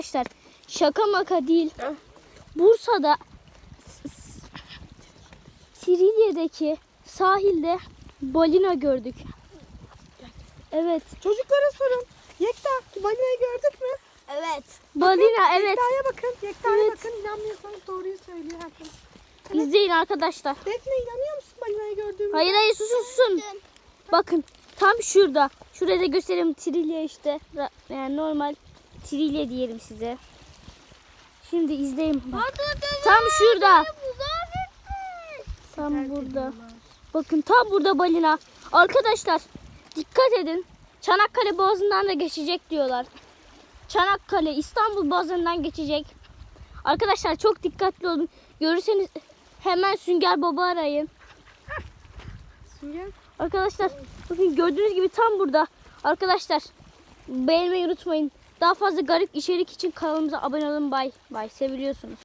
Arkadaşlar şaka maka değil. Bursa'da Trilya'daki sahilde balina gördük. Evet. Çocuklara sorun. Yekta, balinayı gördük mü? Evet. Balina evet. Yekta'ya bakın. Yekta'ya Evet. bakın. İnanmıyorsanız doğruyu söylüyor herkes. İzleyin arkadaşlar. Defne, inanıyor musun balinayı gördüğümüzde? Hayır susun. Bakın tam şurada. Şurada da göstereyim, Trilya işte. Yani normal Trilya diyelim size. Şimdi izleyin. Tam şurada. Tam burada. Bakın tam burada balina. Arkadaşlar dikkat edin. Çanakkale Boğazı'ndan da geçecek diyorlar. Çanakkale, İstanbul Boğazı'ndan geçecek. Arkadaşlar çok dikkatli olun. Görürseniz hemen Sünger Baba arayın. Sünger. Arkadaşlar bakın gördüğünüz gibi tam burada. Arkadaşlar beğenmeyi unutmayın. Daha fazla garip içerik için kanalımıza abone olun. Bay bay. Seviliyorsunuz.